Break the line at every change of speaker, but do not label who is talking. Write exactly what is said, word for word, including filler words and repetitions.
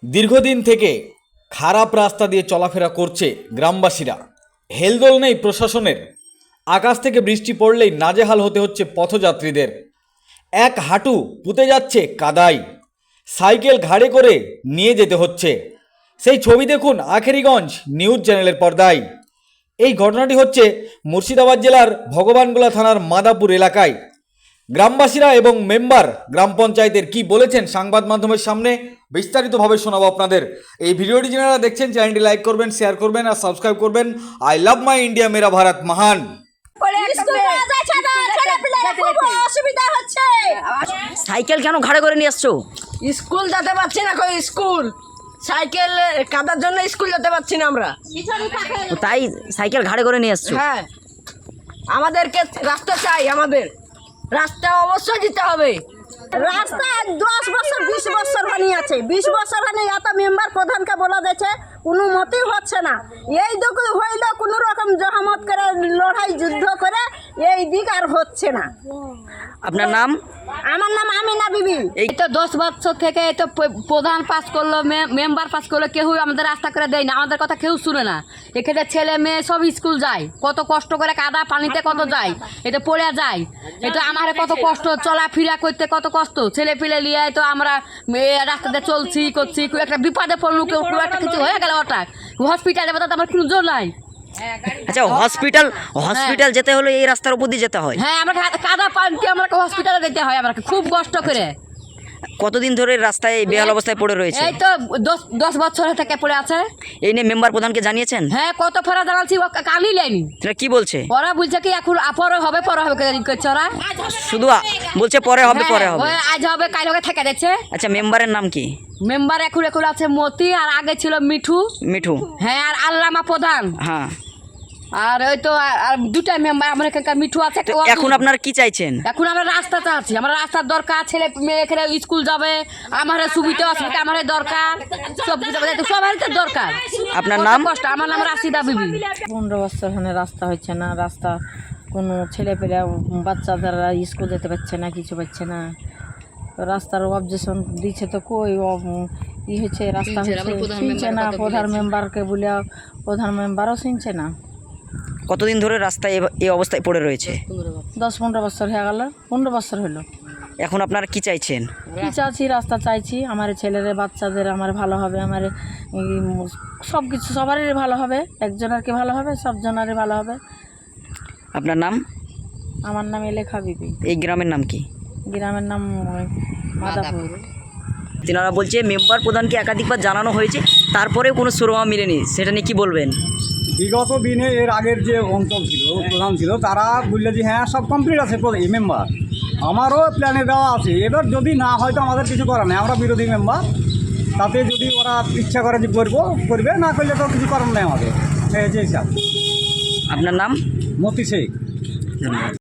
দীর্ঘদিন থেকে খারাপ রাস্তা দিয়ে চলাফেরা করছে গ্রামবাসীরা। হেলদোল নেই প্রশাসনের। আকাশ থেকে বৃষ্টি পড়লেই নাজেহাল হতে হচ্ছে পথযাত্রীদের। এক হাঁটু পুঁতে যাচ্ছে কাদায়, সাইকেল ঘাড়ে করে নিয়ে যেতে হচ্ছে। সেই ছবি দেখুন আখেরিগঞ্জ নিউজ চ্যানেলের পর্দায়। এই ঘটনাটি হচ্ছে মুর্শিদাবাদ জেলার ভগবানগোলা থানার মাদাপুর এলাকায়। গ্রামবাসীরা এবং মেম্বার গ্রাম পঞ্চায়েতের কি বলেছেন সংবাদ মাধ্যমের সামনে বিস্তারিতভাবে শোনাবো আপনাদের। এই ভিডিওটি যারা দেখছেন চ্যানেলটি লাইক করবেন, শেয়ার করবেন আর সাবস্ক্রাইব করবেন। আই লাভ মাই ইন্ডিয়া, মেরা ভারত মহান।
সাইকেল কেন ঘাড়ে করে নিয়ে আসছো?
স্কুল যেতে পারছি না, কই স্কুল সাইকেল কাদার জন্য স্কুল যেতে পারছি না আমরা।
ও তাই সাইকেল ঘাড়ে করে নিয়ে আসছো?
হ্যাঁ, আমাদেরকে রাস্তা চাই, আমাদের রাস্তা অবশ্যই দিতে হবে। রাস্তা দশ বছর বিশ বছর বানিয়ে আছে, বিশ বছর বানিয়ে এত মেম্বার প্রধানকে বলা যাচ্ছে, কোনো মতেই হচ্ছে না। এই দিক হইলে কোনো রকম জহামত করে লড়াই যুদ্ধ করে এই দিক আর হচ্ছে না।
আপনার নাম?
আমার নাম আমিনা বিবি।
এই তো দশ বছর থেকে এই তো প্রধান পাস করলো, মেম্বার পাস করলো, কেউ আমাদের রাস্তা করে দেয় না, আমাদের কথা কেউ শুনে না। এখানে ছেলে মেয়ে সব স্কুল যায়, কত কষ্ট করে কাদা পানিতে কত যায়, এটা পড়ে যায়। এটা আমার কত কষ্ট, চলাফেরা করতে কত কষ্ট, ছেলে পিলে নিয়ে তো আমরা রাস্তাতে চলছি করছি, একটা বিপদে পড়লো, কেউ একটা কিছু হয়ে গেল, হঠাৎ হসপিটালে আমার কোনো জোর নাই।
আচ্ছা, হসপিটাল হসপিটাল যেতে হলে এই রাস্তার উপর দিয়ে যেতে হয়?
হ্যাঁ, আমরা কাদা পানিতে আমরা হসপিটালে যেতে হয়, আমরা খুব কষ্ট করে।
কতদিন ধরে রাস্তায় বেহাল অবস্থায় পড়ে রয়েছে?
এই তো দশ দশ বছর থেকে পড়ে আছে।
এই নিয়ে মেম্বার প্রধানকে জানিয়েছেন?
হ্যাঁ, কত ফেরা জানাচ্ছি, ও কানই লেনি।
সেটা কি বলছে?
ওরা বলছে কি এখন পরে হবে, পরে হবে করছে ওরা।
শুধু বলছে পরে হবে, পরে হবে।
আজ হবে কাল হবে থেকে যাচ্ছে।
আচ্ছা, মেম্বারের নাম কি?
মেম্বার এখন এখন আছে মতি, আর আগে ছিল মিঠু।
মিঠু?
হ্যাঁ, আর আল্লামা প্রধান।
হ্যাঁ,
আর ওই তো আর দুটা মেম্বার আমার এখানকার মিঠু আছে।
এখন আপনারা কি চাইছেন?
এখন আমরা রাস্তা চাচ্ছি, আমরা রাস্তার দরকার, ছেলে মেয়ে এখানে স্কুল যাবে, আমার সুবিধা অসুবিধা আমার দরকার, সব কিছু সবারই তো দরকার।
আপনার নাম?
কষ্ট। আমার নাম রাশিদা বিবি।
পনেরো বছর এখানে রাস্তা হচ্ছে না, রাস্তা কোনো ছেলে পেলে বাচ্চাদেরা স্কুল যেতে পারছে না, কিছু পাচ্ছে না। তো রাস্তার অবজেকশন দিচ্ছে, তো কই ই হচ্ছে, রাস্তা হচ্ছে শুনছে না। প্রধান মেম্বারকে বলে প্রধান মেম্বারও শুনছে না।
কতদিন ধরে রাস্তায় এই অবস্থায় পড়ে রয়েছে?
দশ পনেরো বছর হয়ে গেল, পনেরো বছর হলো।
এখন আপনারা কি চাইছেন?
কি চাচ্ছি? রাস্তা চাইছি, আমার ছেলের বাচ্চাদের আমার ভালো হবে, আমার সব কিছু সবারই ভালো হবে, একজনের কি ভালো হবে, সব জনেরই ভালো হবে।
আপনার নাম?
আমার নাম এলেখা বিবি।
এই গ্রামের নাম কি?
গ্রামের নাম মাদাপুর।
তিনারা বলছে মেম্বার প্রধানকে একাধিকবার জানানো হয়েছে, তারপরেও কোনো সুরমা মিলেনি, সেটা নিয়ে কী বলবেন?
বিগত দিনে এর আগের যে অঞ্চল ছিল, প্রধান ছিল, তারা বললে যে হ্যাঁ সব কমপ্লিট আছে এই মেম্বার, আমারও প্ল্যানে দেওয়া আছে। এবার যদি না হয়তো আমাদের কিছু করার নেই, আমরা বিরোধী মেম্বার, তাতে যদি ওরা ইচ্ছা করে যে করবো করবে, না করলে তো কিছু করার নেই আমাদের। এই যে হিসাব।
আপনার নাম?
মতি শেখ।
ধন্যবাদ।